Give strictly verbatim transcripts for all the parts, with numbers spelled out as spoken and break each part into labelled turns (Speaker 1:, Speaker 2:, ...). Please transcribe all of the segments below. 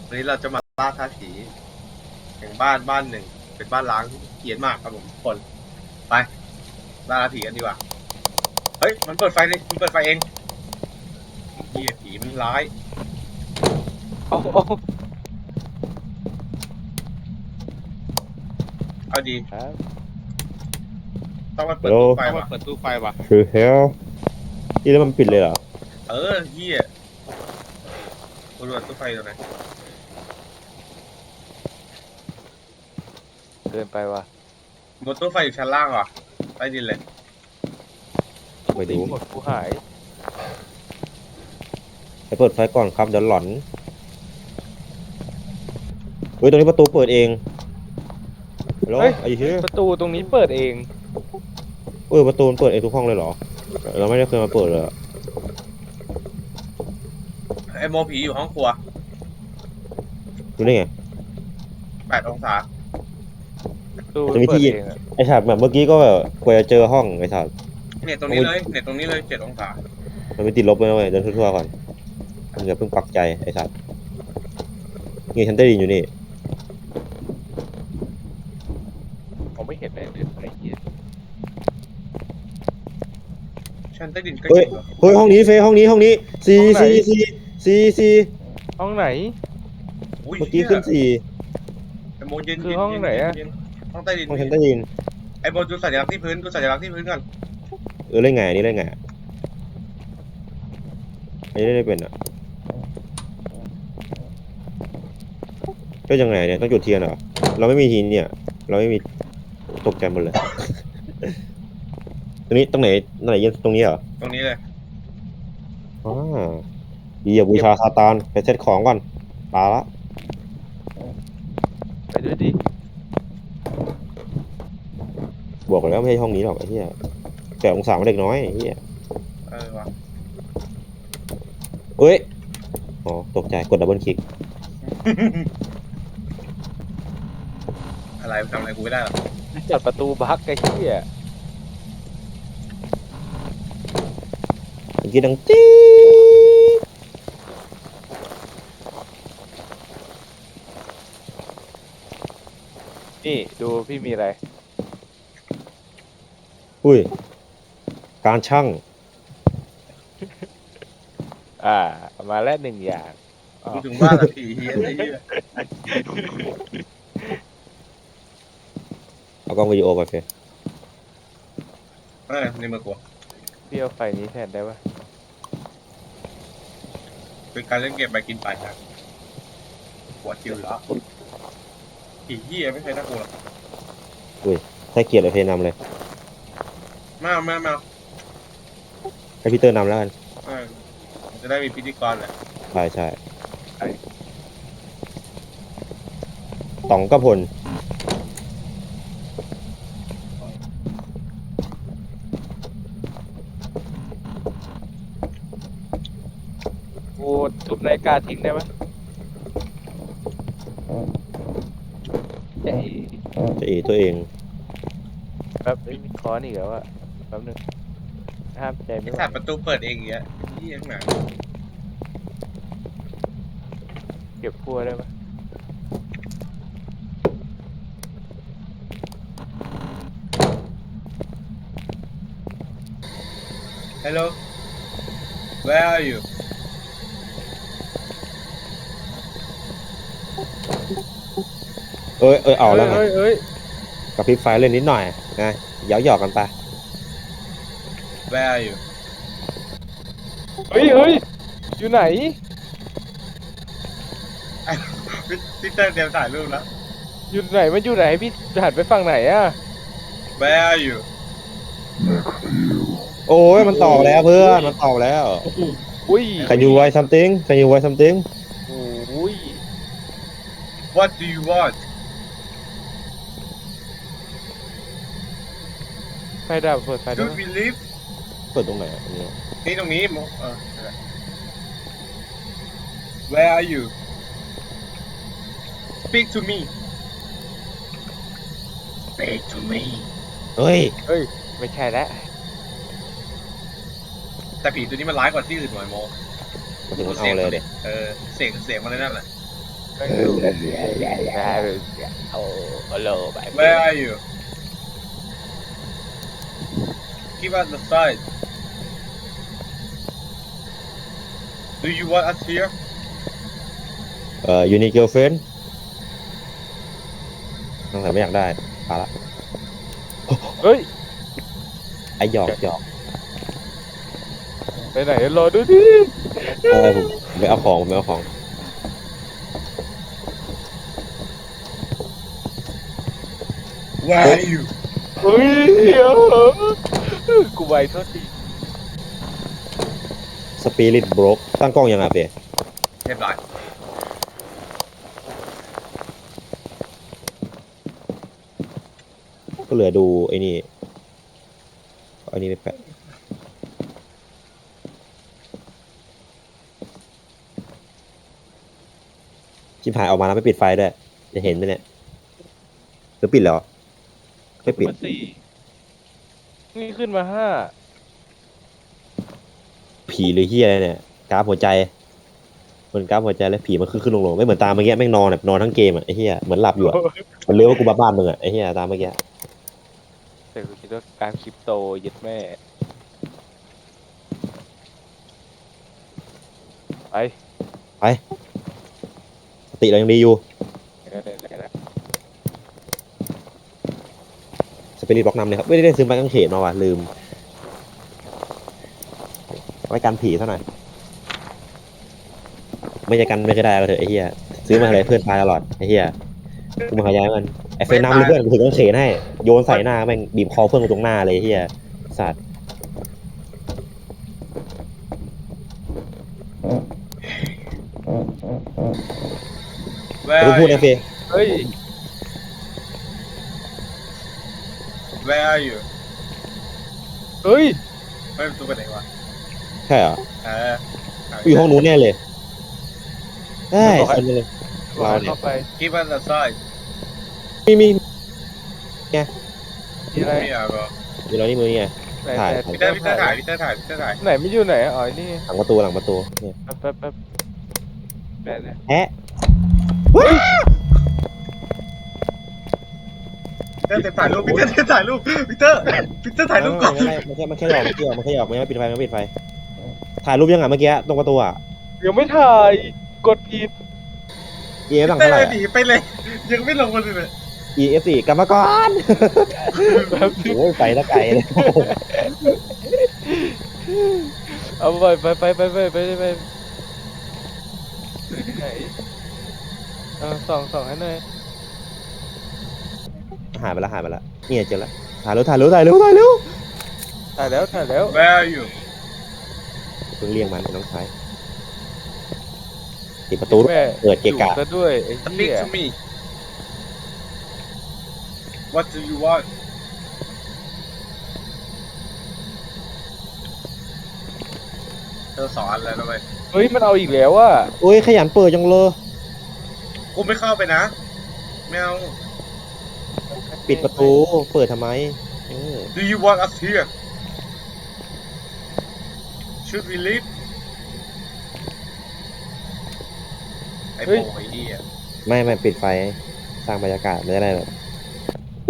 Speaker 1: วันนี้เราจะมาล่าท้าผีแห่งบ้านบ้านหนึ่งเป็นบ้านล้างที่เกรียนมากครับผมทุกคนไปล่าท้าผีกันดีกว่าเฮ้ยมันเปิดไฟเลยมันเปิดไฟเองเฮียผีมันร้าย
Speaker 2: โอ้โอ้
Speaker 1: เอาดี
Speaker 2: ครับ
Speaker 1: ต้องมาเปิดตู้ไฟ
Speaker 2: ต้อง
Speaker 1: วะ
Speaker 2: มาเปิดตู้ไฟว่ะ
Speaker 3: คือเฮลที่แล้วมันปิดเลยเหรอ
Speaker 1: เออเฮียกูดูตู้ไฟตรงไหน
Speaker 2: เกินไปว่ะ
Speaker 1: บนตู้ไฟอยู่ชั้นล่างว่ะใต้ดินเลย
Speaker 3: ไปดู
Speaker 2: หมดกูหาย
Speaker 3: ไปเปิดไฟก่อนครับเดี๋ยวหลอนเฮ้ยตรงนี้ประตูเปิดเองฮัลโหล
Speaker 2: เฮ้ย
Speaker 3: ไอ้เหี้ย
Speaker 2: ประตูตรงนี้เปิดเอง
Speaker 3: เออประตูมันเปิดเองทุกห้องเลยเหรอเราไม่ได้เคยมาเปิดเลยอะ
Speaker 1: ไอโมผีอยู่ห้องครัว
Speaker 3: รู้ได้ไง
Speaker 1: แปดองศา
Speaker 2: ประตู
Speaker 3: จะมี
Speaker 2: เปิ
Speaker 3: ที่
Speaker 2: ดเองอะ
Speaker 3: ไอ้ฉากแบบเมื่อกี้ก็แบบกว่าจะเจอห้องไอ้ฉาก
Speaker 1: เนี่ยตรงนี้เลยเนี่ยตรงนี้เลยเจ็ดองศา
Speaker 3: มันไม่ติดลบเลยนะเว้ยเดินทั่วๆก่อนมันอย่าเพิ่งปักใจไอ้ฉากนี่ฉันได้ยินอยู่นี่
Speaker 2: ผมไม่เห็นเลยไอ้เหี้ย
Speaker 1: ชั้นใต้ดินก็
Speaker 3: เฮ้ย
Speaker 1: เจ็ดเหรอ
Speaker 3: เฮ้ยห้องนี้เฟยห้องนี้ห้องนี้สี่สี่สี่สี่สี่
Speaker 2: ห้องไหน
Speaker 1: อุ้ย
Speaker 3: เมื่อกี้ขึ้นสี่
Speaker 1: ไอโมเย็น
Speaker 2: คือ
Speaker 1: เย็น
Speaker 2: ห้อง
Speaker 1: เย็น
Speaker 2: ไหนอะ
Speaker 1: เย็นห้องใต้ดิน
Speaker 3: ห้องฉันได้ยิน
Speaker 1: ไอโมดูสัญลักษณ์ที่พื้นดูสัญลักษณ์ที่พื้นก่อน
Speaker 3: เออเล่นไงอันนี้เล่นไงอะอันนี้เล่นได้เป็นอ่ะก็ยังไงเนี่ยต้องจุดเทียนเหรอเราไม่มีทีนเนี่ย เราไม่มีตกใจหมดเลย ตรงนี้ตรงไหนตรงไหนยืนตรงนี้เหรอ
Speaker 1: ตรงนี้เลย
Speaker 3: อ่าดีอย่าบูชาซาตานไปเซตของก่อนปาละ
Speaker 2: ไปด้วยดิ
Speaker 3: บอกแล้วไม่ใช่ห้องนี้หรอกไอ้เหี้ยแต่องศามันเด็กน้อยไอ้เหี้ย
Speaker 1: เออว่ะ
Speaker 3: เอ้ยอ๋อตกใจกดดับเบิลคลิก
Speaker 1: อะไรทำอะไรกูไม่ได้หรอก
Speaker 2: เปิดประตูบั๊กไอ้เหี้ย
Speaker 3: เมื่อกี้ดังจี๊ด
Speaker 2: นี่ดูพี่มีอะไร
Speaker 3: อุ้ยการช่าง
Speaker 2: อ่าเอามาแล้วหนึ่งอย่างอ๋อ
Speaker 1: กูถึงว่าละผีเฮียไอ้เหี้ย
Speaker 3: เอากล้องวิดีโอไปเฟย
Speaker 1: เออในมือกู
Speaker 2: พี่เอาไฟนี้แทนได้ปะ
Speaker 1: เป็นการเล่นเกมไปกินไปครับหัวคิวอยู่แล้วผีเฮียไม่เคยน่ากลัวหรอก
Speaker 3: อุ้ยถ้าเกลียดเลยเฟยนำเลย
Speaker 1: มาเอามาเอามาเอา
Speaker 3: ให้พีเตอร์นำแล้วกัน
Speaker 1: เออจะได้มีพิธีกรแหละ
Speaker 3: ใช่ใช่ต๋องกระพล
Speaker 2: กูทุบนาฬิกาทิ้งได้ปะเจ๊
Speaker 3: จะเอตัวเอง
Speaker 2: แป๊บเอ้ยมีค้อนอีกแล้วอะแป๊บหนึงห้ามใจ
Speaker 1: ไอ้
Speaker 2: ไม่ไหว
Speaker 1: สัตว์ประตูเปิดเองอย่างเงี้ยเฮียข้างหลัง
Speaker 2: เก็บพั่วได้ปะ
Speaker 1: ฮัลโหล where are you
Speaker 3: เอ้ยเอ้ยเอาแล้วไง
Speaker 2: เอ้ยเอ้ย
Speaker 3: กับพริบไฟเล่นนิดหน่อยนะเย้าหยอกกันไป
Speaker 1: where are you
Speaker 2: เฮ้ยเฮ้ยอยู่ไหน
Speaker 1: พี่เตอร์เตรียมถ่ายรูปแล้ว
Speaker 2: อยู่ไหนมันอยู่ไหนพี่หันไปฝั่งไหนอะ
Speaker 1: where are you
Speaker 3: โอ้ยมันตอบแล้วเพื่อนมันตอบแล้ว
Speaker 2: อุ้ย
Speaker 3: Can you write something Can you write something
Speaker 2: โอ้ย
Speaker 1: what do you want
Speaker 2: ไฟดับเปิดไฟได้
Speaker 1: do
Speaker 2: ปะ
Speaker 1: we live
Speaker 3: เปิดตรงไหนอ่ะอันนี้
Speaker 1: นี่ตรงนี้มเออ where are you speak to me speak to me
Speaker 3: เฮ้ย
Speaker 2: เฮ้ยไม่ใช่แล้ว
Speaker 1: แต่ผีตัวนี้มันร้ายกว่าที่อื่นหน่อยโม
Speaker 3: มาถึงมันเอาเลยเด็
Speaker 1: เออเสียงเสียงมันเลยนั่นแหละ
Speaker 2: แม่งดูได้โอ้โหไป
Speaker 1: Where are you Give us the sign Do you want us here
Speaker 3: เอ่อ you need girlfriend ตั้งแต่ไม่อยากได้ปาละ
Speaker 2: เฮ้ย
Speaker 3: ไอหยอกหยอก
Speaker 2: ไปไหนรอดูดิ
Speaker 3: เออผมผมไปเอาของผมไปเอาของ
Speaker 1: Where are you
Speaker 2: เฮ้ยเดี๋ยวกูไวโทษที
Speaker 3: spirit broke ตั้งกล้องยังอ่ะเฟย
Speaker 1: เรียบร้อย
Speaker 3: ก็เหลือดูไอ้นี่เอาไอ้นี่ไปแปะชิบหายออกมาแล้วไม่ปิดไฟด้วยจะเห็นไหมเนี่ยหรือปิดแล้วไม่ปิด
Speaker 2: มาสี่นี่ขึ้นมาห้า
Speaker 3: ผีหรือเฮียอะไรเนี่ยกราฟหัวใจเหมือนกราฟหัวใจแล้วผีมันขึ้นขึ้นลงลงไม่เหมือนตามเมื่อกี้แม่งนอนแบบนอนทั้งเกมอ่ะไอ้เฮียเหมือนหลับอยู่อ่ะมันเลี้ยวว่ากูบ้าบ้านมึงอ่ะไอ้เฮียตามเมื่อกี้
Speaker 2: แต่กูคิดว่าการคริปโตยึดแม่ไป
Speaker 3: ไปสติเรายังดีอยู่
Speaker 2: ไหนๆ
Speaker 3: สเปริตบล็อกนำเลยครับไม่ได้ซื้อไม้กางเขนมาว่ะลืมไว้กันผีเท่าหน่อยไม่จะกันไม่ก็ได้ก็เถอะไอ้เหี้ยซื้อมาอะไรเพื่อนตายตลอดไอ้เหี้ยกูมาขยายมันไอ้เฟรนนำเลยเพื่อนกูถือกางเขนให้โยนใส่หน้าแม่งบีบคอเพื่อนกูตรงหน้าเลยไอ้เหี้ยสัตว์
Speaker 1: Where
Speaker 3: กู
Speaker 1: are
Speaker 3: พูด
Speaker 1: you
Speaker 3: นะเฟย
Speaker 2: เฮ้ย
Speaker 1: Where are you
Speaker 2: เฮ้ย
Speaker 1: ไม่รู้ไปไหนวะ
Speaker 3: ใช่เหรอ
Speaker 1: เออ
Speaker 3: กูอยู่ห้องนู้นแน่เลยได้คนเลย เราเนี่ย
Speaker 2: เข้าไป
Speaker 1: Give us the sign
Speaker 3: มีมี
Speaker 2: มีอะไร
Speaker 1: ไม่อยากหรอ
Speaker 3: มีเรานี่มือนี่ไง
Speaker 2: ไหน
Speaker 3: ถ่าย
Speaker 2: ไหน
Speaker 1: พี่เตอร์พี่เตอร์ถ่ายพี่เตอร์ถ่ายพี่เตอร์ถ่าย
Speaker 2: ไหนไม่อยู่ไหนอ๋อนี่
Speaker 3: หลังประตูหลังประตูเนี่ย
Speaker 2: แป๊บแป๊บแป๊บไหนไหน
Speaker 3: แฮะ
Speaker 1: พี่เตอร์ถ่ายรูปพี่เตอร์ถ่ายรูปพี่เตอร์พี่เตอร์ถ่ายรูปก่อน
Speaker 3: ไม่ไม่ไม่มันแค่มันแค่หยอกมันแค่หยอกมันแค่หยอกไม่ปิดไฟไม่ปิดไฟถ่ายรูปยังไงเมื่อกี้ตรงประตูอ่ะ
Speaker 2: ยังไม่ถ่ายกดผิด
Speaker 3: เอฟหลัง
Speaker 1: เตอ
Speaker 3: เท่าไหร่
Speaker 1: ร์หนีไปเลย ยังไม่ลงมาเลย
Speaker 3: เอฟสี่กรรมกร
Speaker 2: แป๊บ
Speaker 3: โอ้ยไปตะไกลเลย
Speaker 2: เอาไปไปไปไปไปไปไปไหนเออส่องส่องให้หน่อย
Speaker 3: หายไปแล้วหายไปแล้วเนี่ยเจอแล้วถ่ายเร็วถ่ายเร็วถ่ายเร็วถ่ายเร็ว
Speaker 2: ถ่ายแล้วถ่ายแล้ว
Speaker 1: Where are you
Speaker 3: เพิ่งเรียกมันไอ้น้องชายปิดประตูด้วย
Speaker 2: แม่
Speaker 3: เปิดเกะกะ
Speaker 2: อยู่ซะด้วยไอ้
Speaker 1: Speak
Speaker 2: เหี้ย
Speaker 1: to me What do you want เธอสอนอะไรแล้วไหม
Speaker 2: เฮ้ยมันเอาอีกแล้วว่ะ
Speaker 3: โอ้ยขยันเปิดจังเลย
Speaker 1: กูไม่เข้าไปนะไม่เอา
Speaker 3: ปิดประตูเปิดทำไมเออ
Speaker 1: Do you want us here Should we leave ไอ้โบไอ้เหี้ย
Speaker 3: ไม่ไม่ปิดไฟสร้างบรรยากาศไม่ได้แบบอู้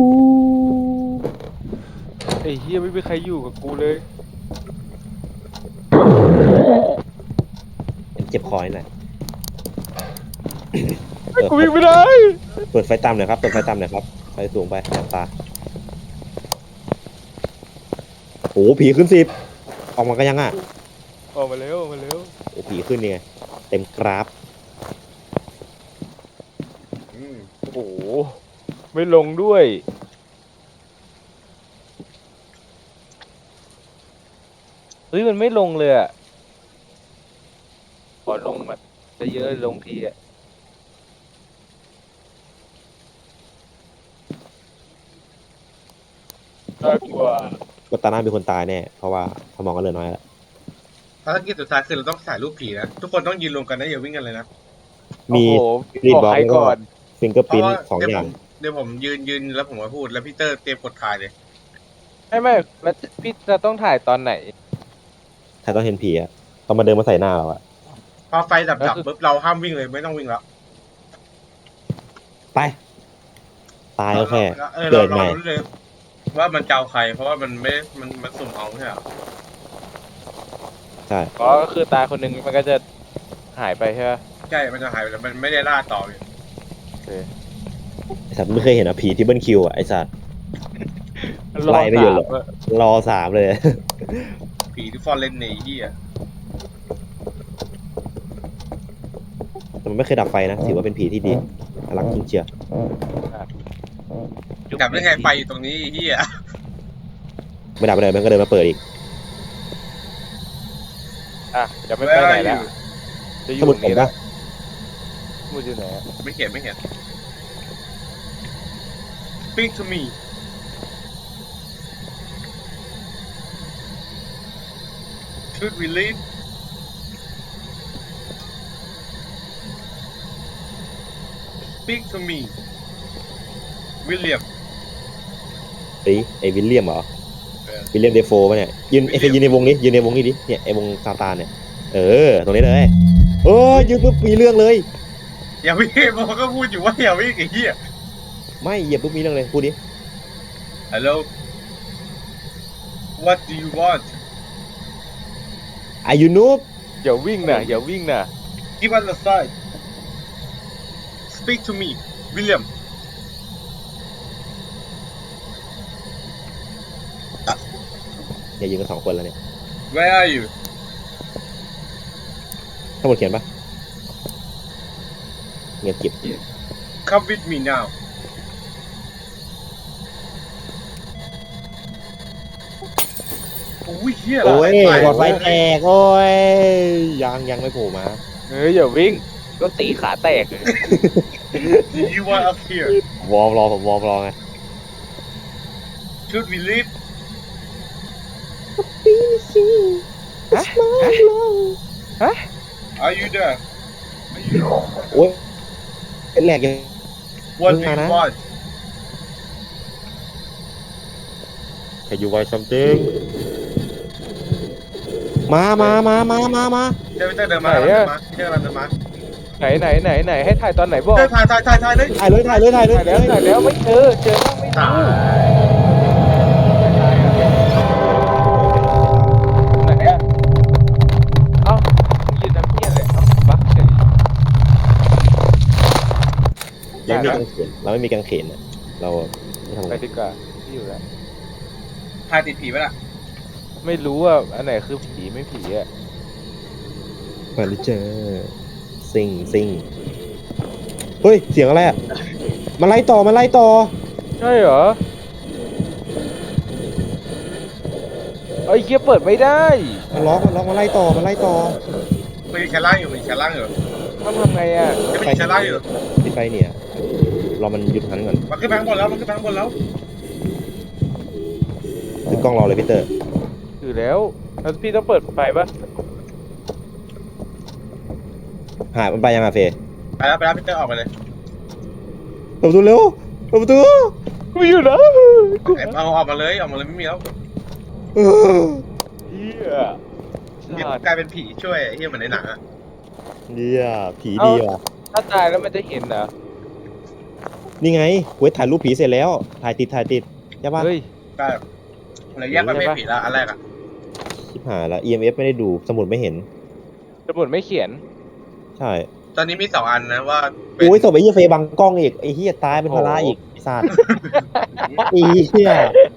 Speaker 2: ไอ้เหี้ยไม่มีใครอยู่กับกูเลย
Speaker 3: เจ็บคอหน่อย
Speaker 2: ไอ้กูวิ่งไม่ได้
Speaker 3: เปิดไฟต่ำหน่อยครับเปิดไฟต่ำหน่อยครับไฟสูงไปแสบตาโอ้ผีขึ้นสิบออกมากันยังอ่ะ
Speaker 2: ออกมาเร็วออกมาเร็ว
Speaker 3: โอ้ผีขึ้นเนี่ยเต็มกราฟ
Speaker 1: อืม
Speaker 2: โอ้โหไม่ลงด้วยเฮ้ยมันไม่ลงเลยอ่ะพอลงแบบจะเยอะลงทีอ่ะน่ากลัว
Speaker 3: ก็ตาหน้ามีคนตายแน่เพราะว่าสมองก็เหลือน้อยแล้ว
Speaker 1: ภารกิจสุดท้ายคือเราต้องถ่ายรูปผีนะ ทุกคนต้องยืนรวมกันนะอย่าวิ่งกันเลยนะ
Speaker 3: มี
Speaker 2: โอ้โห
Speaker 3: รีด
Speaker 2: บอก
Speaker 3: บล็อก
Speaker 2: ใคร
Speaker 3: แล้วก็
Speaker 2: ก่อน
Speaker 3: ฟิงเกอร์
Speaker 1: เพ
Speaker 3: พิ้
Speaker 1: ราะ
Speaker 3: น
Speaker 1: ว่า
Speaker 3: สอง
Speaker 1: เดี๋ยว
Speaker 3: อ
Speaker 1: ผ
Speaker 3: ย่าง
Speaker 1: มเดี๋ยวผมยืนยืนแล้วผมมาพูดแล้วพี่เตอร์เตรียมกดถ่ายเลย
Speaker 2: ไม่ไม่แล้วพี่จะต้องถ่ายตอนไหน
Speaker 3: ใครต้องเห็นผีอะต้องมาเดินมาใส่หน้าเราอะ
Speaker 1: พอไฟดับดับปุ๊บเราห้ามวิ่งเลยไม่ต้องวิ่งแล้ว
Speaker 3: ไป ตายก็แค่
Speaker 1: เออ
Speaker 3: เกิ
Speaker 1: เรา
Speaker 3: ด
Speaker 1: เรา
Speaker 3: ใหม่
Speaker 1: รู้เลยว่ามันจะเอาใคร เพราะว่ามันไม่มันมันสุ่มเอาใช่ไหม
Speaker 3: ใช่
Speaker 2: อ๋อก็คือตายคนหนึ่งมันก็จะหายไปใช่ไหม
Speaker 1: ใช่มันจะหายไปแล้วมันไม่ได้ล่าต่อเลย
Speaker 2: โอเค
Speaker 3: ไอสัตว์ไม่เคยเห็นอ่ะผีที่เบิลคิวอ่ะไอสัตว์
Speaker 2: รอ
Speaker 3: ไล่ไม่หยุด
Speaker 2: สา
Speaker 3: หร
Speaker 2: ม
Speaker 3: อก
Speaker 2: อะ
Speaker 3: รอสามเลย
Speaker 1: ผีที่ฟอนเล่นในที่อ่ะ
Speaker 3: แต่มันไม่เคยดับไฟนะ ถือว่าเป็นผีที่ดีน่ารักจริงเชียว
Speaker 1: กลับได้ไงไฟอยู่ตรงนี้ที่อ่ะ
Speaker 3: ไม่ดับไปเลยมันก็เดินมาเปิดอีก
Speaker 2: อ่ะจะไม่ไปไหนแล้วจะอ
Speaker 3: ส
Speaker 2: ยู่
Speaker 3: มุ
Speaker 2: ต
Speaker 3: ด
Speaker 2: รง
Speaker 3: ผม
Speaker 2: นี้แล้
Speaker 3: ปะ
Speaker 2: วสมุดอยู่ไหนอะ
Speaker 1: ไม่เห็นไม่เห็น Speak to me Should we leave Speak to me William
Speaker 3: ไอ้ไอ้วิลเลียมเหรอ
Speaker 1: เออ
Speaker 3: วิลเลียมเดโฟปะเนี่ยยืนไอ้เฟยยืนในวงนี้ยืนในวงนี้ดิเนี่ยไอ้วงซาตานเนี่ยเออตรงนี้เลยเออยืนปุ๊บมีเรื่องเลย
Speaker 1: อย่าวิ่งมันก็พูดอยู่ว่าอย่าวิ่งไอ้เหี้ย
Speaker 3: ไม่เหยียบปุ๊บมีเรื่องเลยพูดดิ
Speaker 1: Hello What do you want
Speaker 3: อายุนูบ
Speaker 2: อย่าวิ่งนะอย่าวิ่งนะ
Speaker 1: Give us a sign Speak to me William
Speaker 3: อย่ายืนกันสองคนแล้วเนี่ย
Speaker 1: Where are you
Speaker 3: ทั้งหมดเขียนปะเงียบกิบ
Speaker 1: Come with me now โอ้ยเหี้ย
Speaker 3: โอ้ย
Speaker 1: ไป
Speaker 3: หลอดไฟแตกโอ้ยยังยังไม่โผล่มา
Speaker 2: เฮ้ยอย่าวิ่งก็ตีขาแตกเลย
Speaker 1: Do you want us here
Speaker 3: วอร์มรอผมวอร์มรอไง
Speaker 1: Should we leave
Speaker 2: ฮะฮะ
Speaker 1: Are you there
Speaker 3: โอ้ยเป็นแหลกยัง
Speaker 1: What do
Speaker 3: มึงมา
Speaker 1: you
Speaker 3: นะ
Speaker 1: want
Speaker 3: Can you write something มามามามามามา
Speaker 1: เจ้าพี่เต้เดินมาเดินมาพี่เต้กำลังเดินมา
Speaker 2: ไหนไหนไหนไหนให้ถ่ายตอนไหนบอก
Speaker 1: เต้ถ่ายถ่ายถ่ายถ่ายเลย
Speaker 3: ถ่ายเลยถ่ายเลยถ่ายเลย
Speaker 2: ถ่ายแล้วถ่ายแล้วไม่เจอเจอบ้างไม่รู้
Speaker 1: ตาย
Speaker 2: ไหนอะเอ้ายืนทำเพี้ยเลยเอ้าบักเฉย
Speaker 3: ยังไม่มีกางเขนเราไม่มีกางเขนอะเราไม่ทำ
Speaker 2: ไป
Speaker 3: อะไร
Speaker 2: ดีกว่าที่อยู่แล้ว
Speaker 1: ถ่ายติดผีไปละ
Speaker 2: ไม่รู้ว่าอันไหนคือผีไม่ผีอ่ะ
Speaker 3: มาเลยเจอซิงซิงเฮ้ยเสียงอะไรอ่ะมาไล่ต่อมาไล่ต่อ
Speaker 2: ใช่เหรอไอ้เคียเปิดไม่ได้
Speaker 3: มาล็อกมาล็อกมาไล่ต่อมาไล่ต่อ
Speaker 1: มันมีชั้นล่างอยู่มันมีชั้นล่างอยู่
Speaker 2: ต้องทำไงอ่ะ
Speaker 1: ยังไม่มีชั้นล่างอยู่
Speaker 3: ที่ไปเนี่ยรอมันหยุดทันก่อน
Speaker 1: มันขึ้นไปข้างบนแล้วมันขึ้นไปข้างบนแล้ว
Speaker 3: ถือกล้องรอเลยพี่เตอร์
Speaker 2: อยู่แล้วแล้วพี่ต้องเปิดไฟปะ
Speaker 3: หายมันไปยังอ่ะเฟย
Speaker 1: ไปแล้วไปแล้วพี่เต้ออกไปเลย
Speaker 3: เปิดประตูเร็วเปิดประตู
Speaker 2: กูอยู่นะกู
Speaker 1: เอาออกมาเลยออกมาเลยไม่มีแล้ว
Speaker 3: เออ
Speaker 2: เฮีย
Speaker 1: นี่
Speaker 2: สัตว์
Speaker 1: กลายเป็นผีช่วยไอ้เหี้ยเหมือนในหนังอะ
Speaker 3: เนี่ยผีดีว่ะ
Speaker 2: ถ้าตายแล้วมันจะเห็นเหรอ
Speaker 3: นี่ไงเว้ยถ่ายรูปผีเสร็จแล้วถ่ายติดถ่ายติดใช่ปะ
Speaker 2: เฮ้ย
Speaker 1: ได้เลยแยกประเภทผีละอันแรกอะ
Speaker 3: ชิบหายแล้ว อี เอ็ม เอฟ ไม่ได้ดูสมุดไม่เห็น
Speaker 2: สมุดไม่เขียน
Speaker 3: ใช่
Speaker 1: ตอนนี้มีสองอันนะว่าเป็น
Speaker 3: โอ้ยศพไอ้เหี้ยเฟยบังกล้องอีกไอ้เหี้ยตายเป็นภาระอีกไอ้สัตว์ไอ้เหี้ย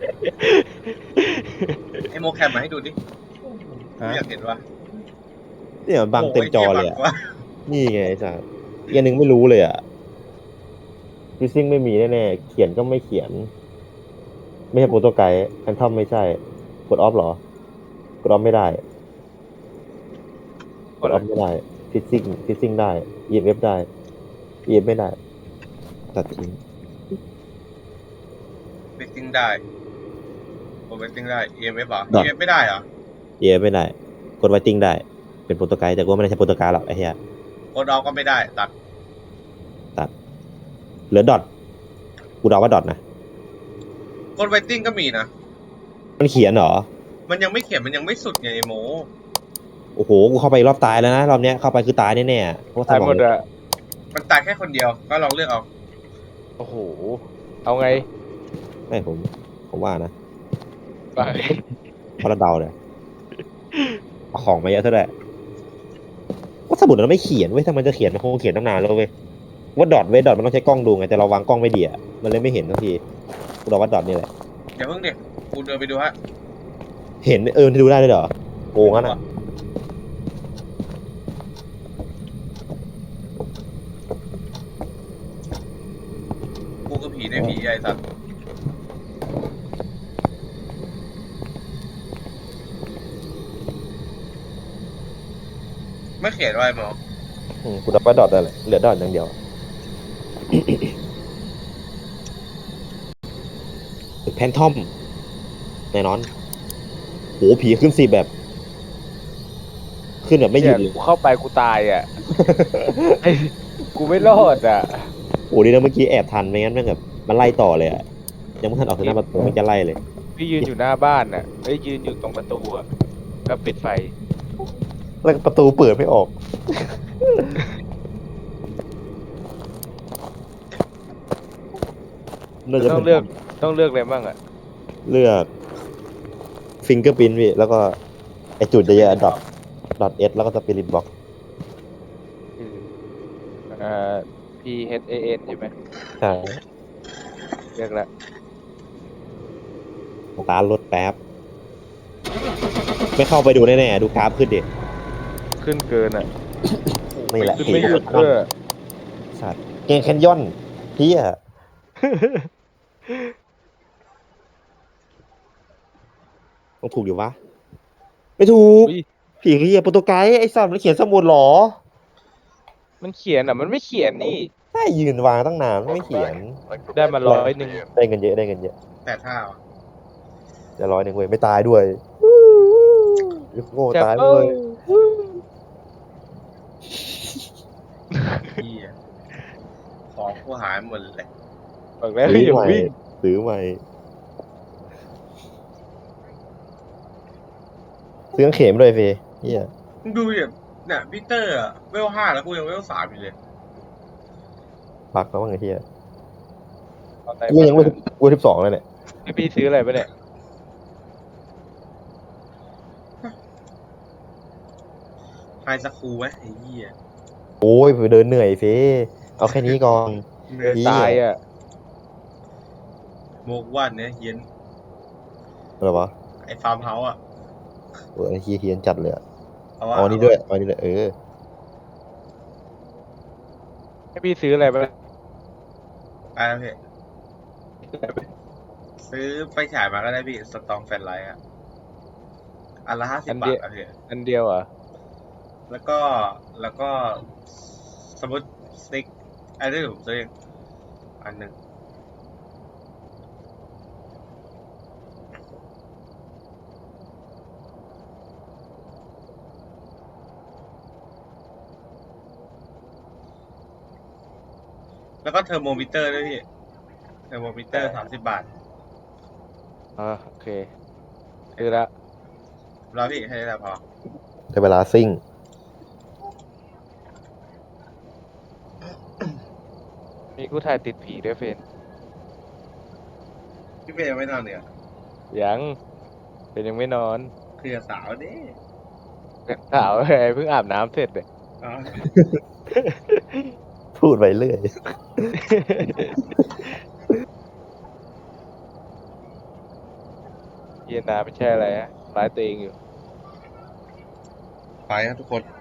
Speaker 1: ไอ้โมแคมมาให้ดูดิ
Speaker 3: ฮะ
Speaker 1: อยากเห็นว่า
Speaker 3: เนี่ยมันบังเต็มจอเลยอ่ะ
Speaker 1: โหี้บังกว่า
Speaker 3: นี่ไงไอ้สัตว์อีกอันหนึ่งไม่รู้เลยอ่ะฟิซซิ่งไม่มีแน่ๆเขียนก็ไม่เขียน ไม่ใช่โปรโตไกด์แอนทอมไม่ใช่กดออฟเหรอกดออฟไม่ได้กดออฟไม่ได้ฟิซซิ่งฟิซซิ่งได้ อี เอ็ม เอฟ ได้ อี เอ็ม ไม่ได้ตัดทิ้ง
Speaker 1: เวกติ้งได้โอเวกติ้งได้ อี เอ็ม เอฟ เหรอ
Speaker 3: ได้
Speaker 1: อี เอ็ม เอฟ ไม่ได้เหรอ
Speaker 3: อี เอ็ม ไม่ได้กดไวติ้งได้เป็นโปรโตไกด์แต่กูว่าไม่ได้ใช่โปรโตไกด์หรอกไอ้เหี้ย
Speaker 1: โคดออกก็ไม่ได้ตัด
Speaker 3: เหลือดอทกูเดาว่าดอทนะ
Speaker 1: โคดเวกติ้งก็มีนะ
Speaker 3: มันเขียนเหรอ
Speaker 1: มันยังไม่เขียนมันยังไม่สุดไงไอ้โม
Speaker 3: โอ้โหกูเข้าไปรอบตายแล้วนะรอบเนี้ยเข้าไปคือตายแน่ๆเพราะว่า
Speaker 2: ตายหมด
Speaker 3: สมอง
Speaker 2: อะ
Speaker 1: มันตายแค่คนเดียวก็ลองเลือกเอา
Speaker 2: โอ้โห เอาไง
Speaker 3: ไม่ผม ผมว่านะ
Speaker 2: ไป
Speaker 3: เพราะเราเดาเลยเอาของมาเยอะเท่าไหร่ว่าสมุดมันไม่เขียนเว้ยถ้ามันจะเขียนมันคงเขียนตั้งนานแล้วเว้ยว่าดอทเว้ยดอทมันต้องใช้กล้องดูไงแต่เราวางกล้องไม่ดีอะมันเลยไม่เห็นทันทีเราว่าดอทนี่แหละ
Speaker 1: อย่าเพิ่งเด็กกูเดินไปดูฮะ
Speaker 3: เห็นเออดูได้ด้วยเหรอโกงงั้นอ่ะ
Speaker 1: กูคือผีในผีไอ้สัตว์ไม่เขียนไว้หมอ
Speaker 3: อืมกูดับว่าดอทได้แหละเหลือดอทอย่างเดียว แพนทอมแน่นอนโหผีขึ้นสิแบบ ขึ้นแบบไม่หยุดเลย
Speaker 2: นี่กูเข้าไปกูตายอ่ะ ไอ้กูไม่รอดอ่ะ
Speaker 3: โอ้ดีนะเมื่อกี้แอบทันไม่งั้นแม่งแบบมันไล่ต่อเลยอ่ะยังไม่ทันออกถึงหน้าประตูมันจะไล่เลย
Speaker 2: พี่ยืนอยู่หน้าบ้านอ่ะเอ้ยยืนอยู่ตรงประตูอ่ะแล้วปิดไฟ
Speaker 3: แล้วประตูเปิดไม่ออกน่าจะ
Speaker 2: ต้องเลือก ต้องเลือกอะไรบ้างอ่ะ
Speaker 3: เลือกฟิงเกอร์พินพี่แล้วก็ไอจุดเยอะๆดอทดอทเอสแล้วก็สปิริตบ็อก
Speaker 2: เอ่อ P H A N ใช่ไหม
Speaker 3: ใช่
Speaker 2: เลือกแล้ว
Speaker 3: สตาร์ทรถแป๊บ ไม่เข้าไปดูแน่ๆ ดูกราฟขึ้นดิ
Speaker 2: ขึ้นเกินอ่ะ
Speaker 3: นี่แหละ
Speaker 2: ขึ้นไม่หยุด
Speaker 3: ผี
Speaker 2: เพื่อ
Speaker 3: สัตว์เกงแคนยอนเฮียต้องถูกอยู่วะ ไม่ถูก
Speaker 2: อุ๊ย
Speaker 3: ผีเฮียโปรโตไกด์ไอ้สัตว์มันเขียนสมุดเหรอ
Speaker 2: มันเขียนอ่ะ มันไม่เขียนนี่
Speaker 3: ใช่ยืนวางตั้งนานไม่เขียน
Speaker 2: ได้มาร้อยหนึ่ง
Speaker 3: ได้เงินเยอะได้เงินเยอะ
Speaker 1: แปดห้าว่ะ
Speaker 3: จะร้อยหนึ่งเว้ยไม่ตายด้วยโง่
Speaker 2: จับ
Speaker 3: ตาย
Speaker 2: เอ้
Speaker 3: ด้วย
Speaker 2: ย
Speaker 1: พี่ของกูหายหมดเลย
Speaker 2: บอกแล้ว
Speaker 3: ซื้อ
Speaker 2: อย่า
Speaker 3: ใหม่
Speaker 2: วิ่ง
Speaker 3: ซื้อใหม่ซื้อเข็มด้วยเฟยเฮีย
Speaker 1: มึงดูดิเนี่ยพีเตอร์อะเวลห้าแล้วกูยังเวลสามอยู่เลย
Speaker 3: พักแล้วว่าไงเฮีย
Speaker 2: เอาไหน
Speaker 3: กูยังไม่กูสิบสองเลยเนี่ย
Speaker 2: ให้พี่ซื้ออะไรไปเนี่ย
Speaker 1: ไฮสคูลไหมไอ้เหี้ย
Speaker 3: โอ้ยไปเดินเหนื่อยเฟยเอาแค่นี้ก่อน
Speaker 2: เหนื่อยตายอ่ะ
Speaker 1: โมกวันเนี่ยเฮียน
Speaker 3: อะไรวะ
Speaker 1: ไอ้ฟาร์มเฮาส์อะ
Speaker 3: โอ้ยไอ้เฮียเฮียนจัดเลยอะ
Speaker 1: เอาว่า
Speaker 3: เอาอันนี้ด้วยเอาอันนี้ด้วยเออ
Speaker 2: ให้พี่ซื้ออะไรไปเนี่ย
Speaker 1: ไปแล้วพี่ซื้อไฟฉายมาก็ได้พี่สตองแฟลชไลท์อะอันละห้าสิบบาทอะพี่
Speaker 2: อันเดียวเหรอ่ะ
Speaker 1: แล้วก็แล้วก็สมมติสติ๊กอันนี้ผมซื้อเองอันหนึ่งแล้วก็เทอร์โมมิเตอร์ด้วยพี่เทอร์โมมิเตอร์สามสิบบาท
Speaker 2: อ่าโอเคซื้อแล้ว
Speaker 1: แล้วพี่ให้ได้พอ
Speaker 3: ได้เวลาซิ่ง
Speaker 2: มีกูถ่ายติดผีด้วยเฟน
Speaker 1: พี่เฟย์ยังไม่นอนเนี่ย
Speaker 2: ยังเป็นยังไม่นอน
Speaker 1: คือสาวนี่
Speaker 2: สาวไงเพิ่งอาบน้ำเสร็จเลย
Speaker 1: อ๋อ
Speaker 3: พูดไปเรื่อย
Speaker 2: เย็นนาไม่ใช่อะไรฮะร้ายตัวเองอยู่
Speaker 1: ไปครับทุกคน